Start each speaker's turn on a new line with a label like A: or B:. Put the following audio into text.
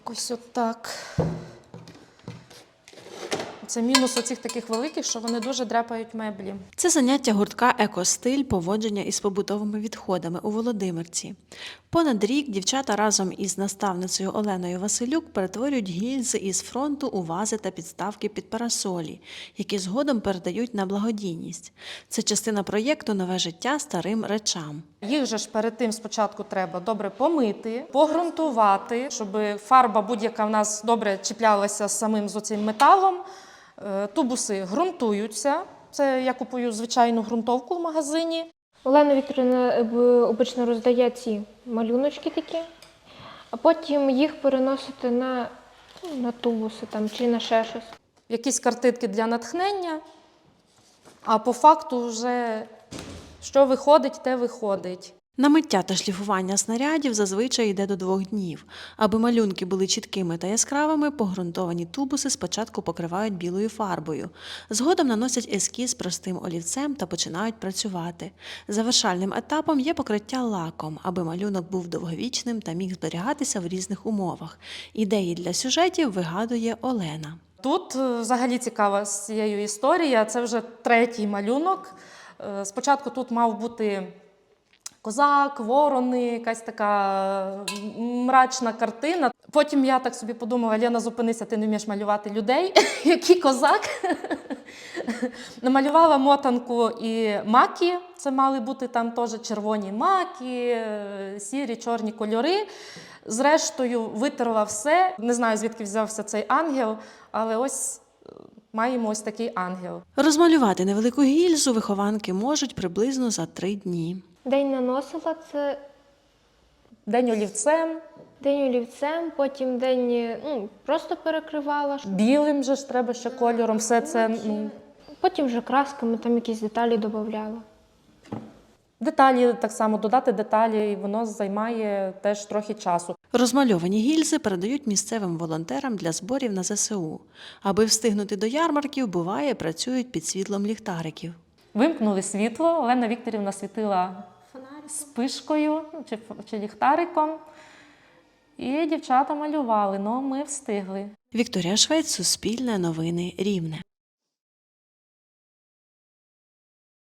A: Якось отак. Це мінус оцих таких великих, що вони дуже дряпають меблі.
B: Це заняття гуртка «Екостиль» поводження із побутовими відходами у Володимирці. Понад рік дівчата разом із наставницею Оленою Василюк перетворюють гільзи із фронту у вази та підставки під парасолі, які згодом передають на благодійність. Це частина проєкту «Нове життя старим речам».
A: Їх же ж перед тим спочатку треба добре помити, погрунтувати, щоб фарба будь-яка в нас добре чіплялася з самим з оцим металом. Тубуси ґрунтуються. Це я купую звичайну ґрунтовку в магазині.
C: Олена Вікторівна обично роздає ці малюночки такі, а потім їх переносити на тубуси там, чи на ще щось.
A: Якісь картинки для натхнення, а по факту вже що виходить, те виходить.
B: На миття та шліфування снарядів зазвичай йде до 2 днів. Аби малюнки були чіткими та яскравими, погрунтовані тубуси спочатку покривають білою фарбою. Згодом наносять ескіз простим олівцем та починають працювати. Завершальним етапом є покриття лаком, аби малюнок був довговічним та міг зберігатися в різних умовах. Ідеї для сюжетів вигадує Олена.
A: Тут взагалі цікава з цією історія. Це вже 3-й малюнок. Спочатку тут мав бути козак, ворони, якась така мрачна картина. Потім я так собі подумала: Лена, зупинися, ти не вмієш малювати людей. Який козак? Намалювала мотанку і маки. Це мали бути там теж червоні маки, сірі, чорні кольори. Зрештою, витерла все. Не знаю, звідки взявся цей ангел, але ось маємо ось такий ангел.
B: Розмалювати невелику гільзу вихованки можуть приблизно за 3 дні.
C: День наносила – це
A: День олівцем.
C: день олівцем, потім день просто перекривала.
A: Білим же ж треба ще кольором, все це.
C: Потім вже красками там якісь деталі додавала.
A: Деталі, так само додати деталі, і воно займає теж трохи часу.
B: Розмальовані гільзи передають місцевим волонтерам для зборів на ЗСУ. Аби встигнути до ярмарків, буває, працюють під світлом ліхтариків.
A: Вимкнули світло, Олена Вікторівна світила спишкою чи ліхтариком. І дівчата малювали, але ми встигли.
B: Вікторія Швець, Суспільне новини, Рівне.